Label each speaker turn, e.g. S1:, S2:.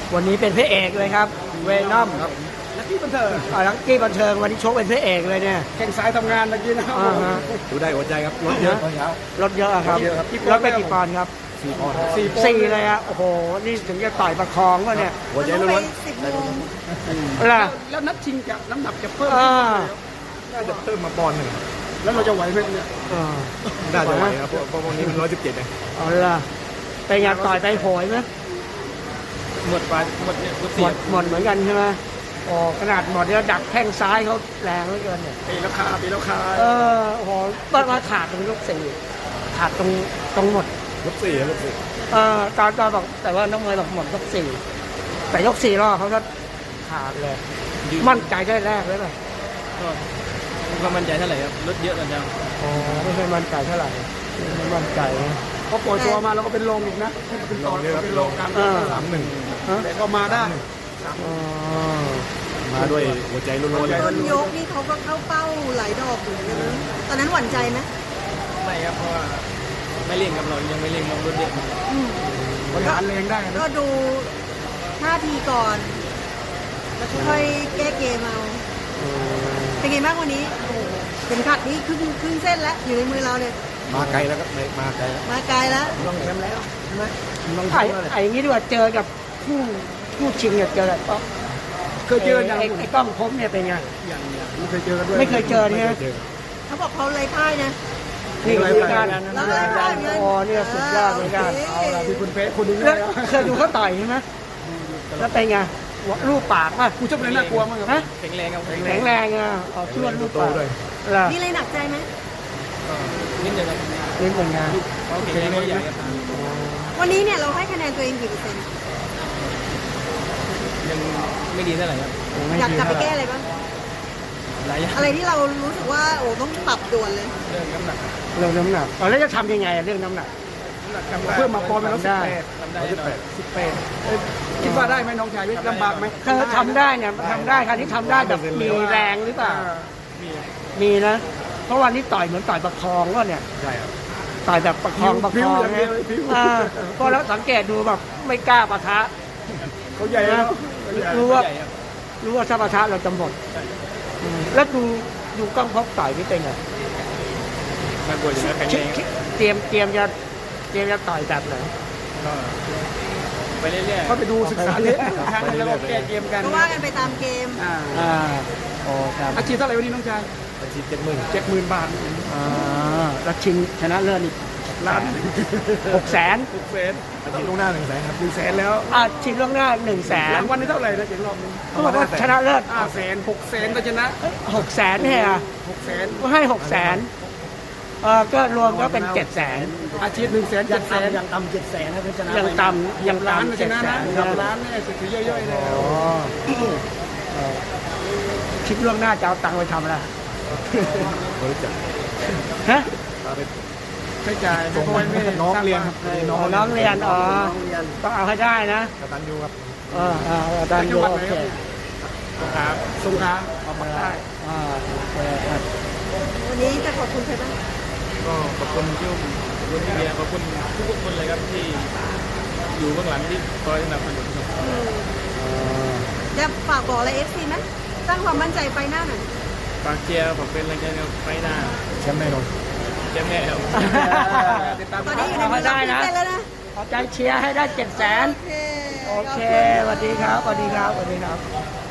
S1: วันนี้เป็นพระเอกเลยครับเวนอม
S2: ครับลักกี้บันเทิง
S1: ลักกี้บันเทิงวันนี้ชกเป็นพระเอกเลยเนี่ย
S2: แข่งสายทำงานเมื่อกี้นะครับ
S3: ดูได้หัวใจครับรถเยอะตอนเช้าร
S1: ถเยอะอะครับรถไปกี่ปอนด์ครับ
S3: 4 ปอนด์
S1: สี่เลยอะโอ้โหนี่ถึงจะต่อยประคองวะเนี่ย
S3: หัวใจล้วน
S1: ล่ะ
S2: แล้วนัดชิงกับน้ำหนักจะเพิ่ม
S3: ๆน่าจะเพิ่มมาปอนด์หนึ่ง
S2: แล้วเราจะไหวไหมเนี่ย
S3: น่าจะไหวครับเพราะวันนี้มัน117เอง
S1: เอาล่ะไปงานต่อยไปโหยไหม
S2: หมดไปหมดเนี่ยหมด
S1: หม
S2: เสีย
S1: ดเหมือนกันใช่ไหมโอ้ขนาดหมดเนี่ยดักแข้งซ้ายเขาแรงเหลือเกินเนี่ย
S2: ปีราคา
S1: โอ้โหมาขาดตรงยกสี่ขาดตรงหมด
S3: รถ4ครับรถ
S1: ตอนบอกแต่ว่าน้องเมย์บอกหมดยกสี่แต่ยกสี่รอบเขาก็ขาดเลยมั่นใจได้แรกเลยป่ะ
S2: ก็มั่นใจเท่าไหร่ครับรถเยอะกันจัง
S1: อ๋อไม่เคยมั่นใจเท่าไหร่ไม่มั่นใจนะ
S2: พอปล่อยตัวมาเราก็เป็นลมอีกนะเป็นต่อเป็นลมกัน
S3: 3-1
S2: แต่ก็มาได้
S1: อ๋อ
S3: มาด้วยหัวใจล้วนๆเลย
S4: ต้นยกนี่เขาก็เข้าเป้าหลายดอกอยู่เหมือนกันนะตอนนั้นหวั่นใจไหม
S2: ไม่ครับเพราะว่าไม่เร่งกับเรายังไม่เร่งเรารถเยอะ บริหารแรงได้นะ
S4: ก็ดูท่าทีก่อนแล้วค่อยแก้เกมเอาเป็นไงบ้างวันนี้โอ้โหเข็มขัดนี่ครึ่งเส้นแล้วอยู่ในมือเราเนี่ย
S3: มาไกลแล้วครับมาไกลแล้ว
S4: มาไกลแล้ว
S2: ลองแชมป์แล้วใช่ไหมลอง
S1: ไอ้อย่างนี้ดีกว่าเจอกับผู้ชิงเนี่ยเจอกับ
S2: เคยเจออย่าง
S1: ไอ้กล้องพบเนี่ยเป็นไง
S2: ไม่เคยเจอกันด้วย
S1: ไม่เคยเจอเนี่ย
S4: เขาบอกเขาเลยพ่ายนะ
S1: นี่คือการ
S4: แล้วเลยพ่ายเหมือนกัน
S1: โอ้เนี่ยสุดยอดเหมือนกัน
S2: เอาละที่คุณเป๊ะคุณดู
S1: แล้ว
S2: แล้ว
S1: เคยดูเขาต่อยใช่ไหมแล้วเป็นไงรูปปากป่ะ
S2: กูชอบเลยน่ากลัวมากครับ
S1: ฮะ
S2: แข็งแรงครับ
S1: แข็งแรงอ่ะเอาช่วยรูปปากล่ะ
S4: มีอะไรหนักใจไหม
S2: นิดนึงครับ
S1: นี่เป็นไง
S2: เขาแข็งแรงเขาใหญ่ครับ
S4: วันนี้เนี่ยเราให้คะแนนตัวเองกี่เปอร์เซ็นต์
S2: ยังไม่ดีเท่าไหร่ครับ
S4: อยากกลับไปแก้อะไรบ้าง
S2: หลายอย่าง
S4: อะไรที่เรารู้สึกว่าโอ้ต้องปรับด่วนเลย
S2: เรื่องน้ำหนัก
S1: เรื่องน้ำหนักแล้วจะทำยังไงเรื่องน้ำหนัก
S2: เพิ่มมาปอนด์เป็น
S1: ทำ
S2: 118
S1: ได้
S2: ทำได้18คิดว่าได้ไหมน้องชายลำบากไหม
S1: ถ้าทำได้เนี่ยทำได้คราวนี้ทำได้แบบมีแรงหรือเปล่า มีนะ เพราะวันนี้ต่อยเหมือนต่อยประคองว่าเนี่ย
S3: ใช่ครับ
S1: ต่อยแบบประคองนะเพราะแล้วสังเกตดูแบบไม่กล้าปะทะ
S2: เขาใหญ่แล้ว
S1: รู้ว่าถ้าปะทะเราจะหมดแล้วดูกล้องพบต่อยนี่เป็นไง
S2: น่ากลัวอยู่นะแข็งแรง
S1: เตรียมจะต่อยแบบไหน
S2: ก็ไปเรื่อยๆเขาไปดูศึกษาเละแล้วก็แก้เกมกัน
S4: ก็ว่ากันไปตามเกม
S1: โอ้ครับ
S2: อาชีพเท่าไหร่วันนี้น้องชาย
S3: อาชีพ70,000
S2: 70,000 บาท
S1: แล้วชิงชนะเลิศอีก
S2: ล้าน
S1: 600,000
S2: 600,000
S3: อาชีพลูกหน้า100,000ครับ
S2: 100,000แล้ว
S1: ชิงล่วงหน้า100,000
S2: รางวัลนี่เท่าไหร่นะเจ๋งรอบนึง
S1: เขาบอกว่าชนะเลิศ
S2: 500,000 600,000ก็ชนะ
S1: 600,000เนี่ย
S2: 600,000
S1: ก็ให้600,000ก็รวมก็เป็น700,000
S2: อาชีพ100,000 700,000
S1: ยังต่ำ700,000นะชนะยังต่ำยัง
S2: ล้าน
S1: ต่ำ
S2: ก็ชนะนะ
S1: 700,000
S2: ล้านเนี่ยสุดย่อยๆเลย
S1: คิดล่วงหน้าจะเอาตังค์ไปทำอะไร
S3: บริจาค
S1: ฮะ
S3: พาไป
S2: ใช้จ่าย
S3: ส่ง
S2: พ่อแม่
S3: น้องเรียนครับ
S1: น้องเรียนต้องเอาให้ได้นะ
S3: กตัญญูครับ
S1: อาจารย์ดูโอเค
S2: สงขลาเอามาได้
S1: โอเคครับ
S4: วันนี้จะขอบคุณใครบ้าง
S2: ก็ขอบคุณที่ขอบคุณพี่เบียร์ขอบคุณทุกคนเลยครับที่อยู่เบื้องหลังที่คอยสนับสนุนครับ
S4: จะฝากบอกอะไรเอฟซีไหมสร้างความมั่นใจไปหน้าหน่อย
S2: ฝากเชียร์ผมเป็นแรงใจในไฟหน้า
S3: แชมป์แน่นอน
S2: แชมป์แน่ครับติดตาม
S4: ตอนนี้อยู่ในมือเราพิเศษแล้วนะ
S1: เอาใจเชียร์ให้ได้700,000
S4: โอเค
S1: โอเคสวัสดีครับสวัสดีครับสวัสดีครับ